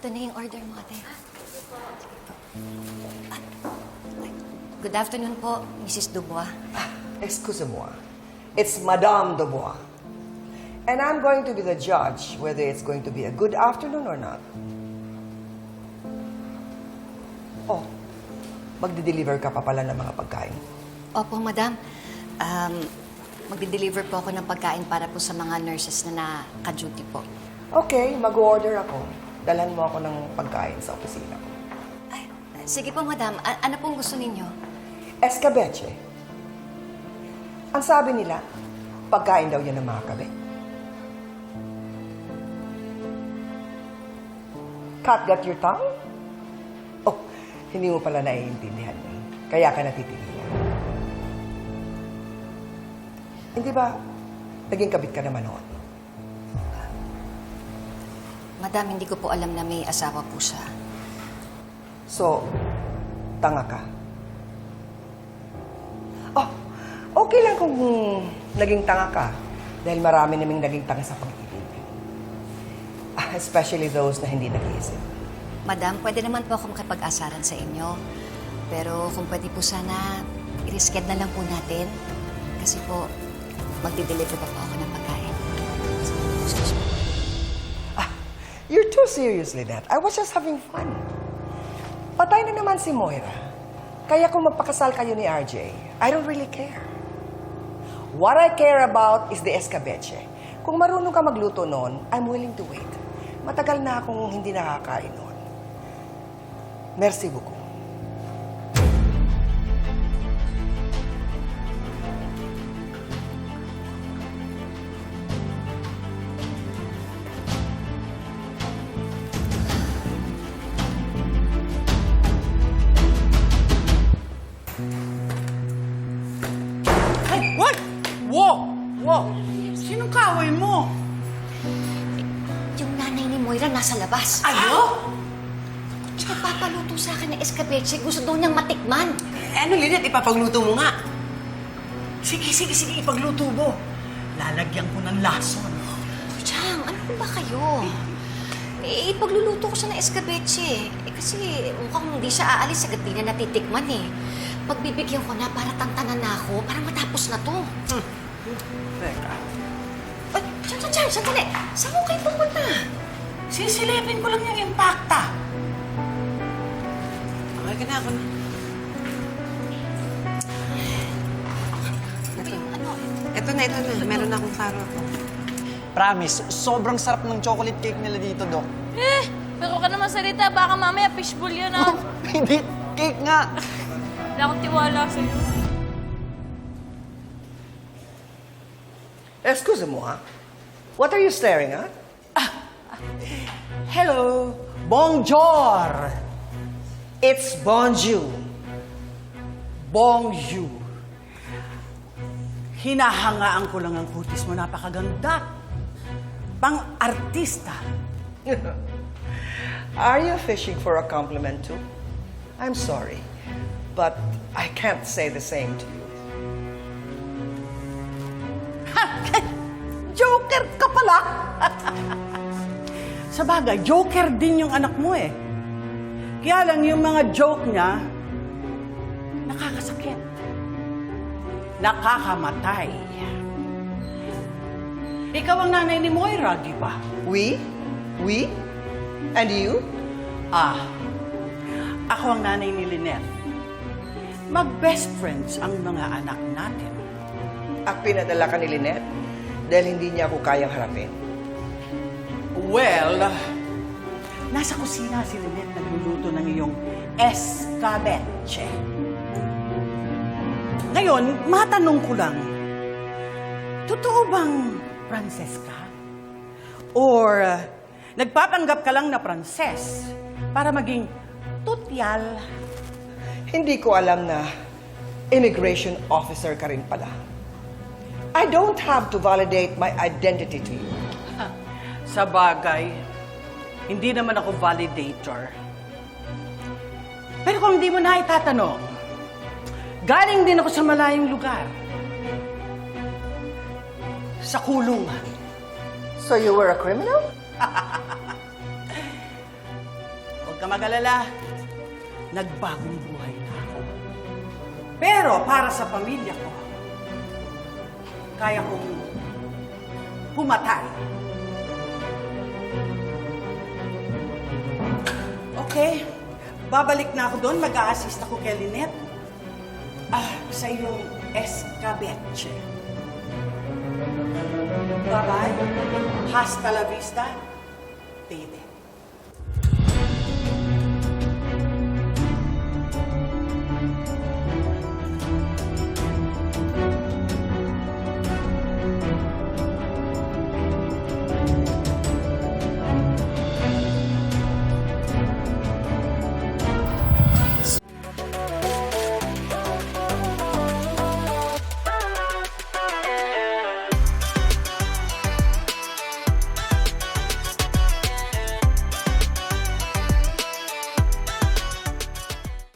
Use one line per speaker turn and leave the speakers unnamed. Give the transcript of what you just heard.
Ito na yung order mo, ate. Good afternoon po, Mrs. Dubois.
Excusez-moi. It's Madame Dubois. And I'm going to be the judge whether it's going to be a good afternoon or not. Oh, magde-deliver ka pa pala ng mga pagkain.
Opo, madam. Magde-deliver po ako ng pagkain para po sa mga nurses na naka-duty po.
Okay, mag-order ako. Dalhan mo ako ng pagkain sa opisina ko.
Ay, sige po, madam. Ano pong gusto ninyo?
Escabeche. Ang sabi nila, pagkain daw yan ng mga kabe. Cat got your tongue? Oh, hindi mo pala naiintindihan eh. Kaya ka natitigilan. Hindi ba, naging kabit ka naman noon?
Madam, hindi ko po alam na may asawa po siya.
So, tanga ka. Oh, okay lang kung naging tanga ka. Dahil marami naming naging tanga sa pag-ibig. Especially those na hindi nag-iisip.
Madam, pwede naman po ako makipag-asaran sa inyo. Pero kung pwede po sana, i-reschedule na lang po natin. Kasi po, magdi-deliver pa po ako ng pagkain. Excuse me.
You're too serious, Lynette. I was just having fun. Patay na naman si Moira. Kaya kung magpakasal kayo ni RJ, I don't really care. What I care about is the escabeche. Kung marunong ka magluto noon, I'm willing to wait. Matagal na akong hindi nakakain noon. Merci beaucoup.
Ay, what? Wow! Wow! Sinong kaaway mo?
Yung nanay ni Moira nasa labas.
Ano?
Nagpapaluto sa akin ng escabeche. Gusto daw niyang matikman.
Ano, Lynette? Ipapagluto mo nga. Sige, ipagluto mo. Lalagyan ko ng lason.
Chang, ano po ba kayo? Ipagluluto ko siya ng escabeche. Kasi mukhang hindi siya aalis agad di na natitikman eh. Pagbibigyan ko na para tantanan na ako, para matapos na to.
Teka.
Ay, Chang, sandali. Saan mo kayo pupunta?
Sisilipin ko lang yung impacta. Okay ka na ako na.
Ano?
Ito na. Meron akong klaro ako. Promise, sobrang sarap ng chocolate cake nila dito, Dok.
Pero ka naman salita, baka mamaya fishbowl yun, ah.
Hindi, cake nga.
Wala akong tiwala sa'yo.
Excuse-moi. What are you staring at?
Hello! Bonjour!
It's bonjour.
Bonjour. Hinahangaan ko lang ang kutis mo. Napakaganda. Pang-artista.
Are you fishing for a compliment too? I'm sorry, but I can't say the same to you.
Joker ka pala! Sa bagay, joker din yung anak mo eh. Kaya lang yung mga joke niya, nakakasakit. Nakakamatay. Ikaw ang nanay ni Moira, di ba?
We? And you?
Ako ang nanay ni Lynette. Mag-best friends ang mga anak natin.
At pinadala ka ni Lynette dahil hindi niya ako kayang harapin.
Well, nasa kusina si Lynette nagluluto ng iyong escabeche. Ngayon, matanong ko lang, totoo bang Pranses ka? Or nagpapanggap ka lang na Pranses para maging tutyal?
Hindi ko alam na immigration officer ka rin pala. I don't have to validate my identity to you.
Sa bagay, hindi naman ako validator. Pero kung hindi mo na itatanong, galing din ako sa malayong lugar. Sa kulungan.
So you were a criminal?
ka mag-alala. Nagbagong buhay na ako. Pero para sa pamilya ko, kaya kong pumatay. Okay, babalik na ako doon. Mag-a-assist ako kay Lynette. Sa iyong escabeche. Bye-bye. Hasta la vista, baby.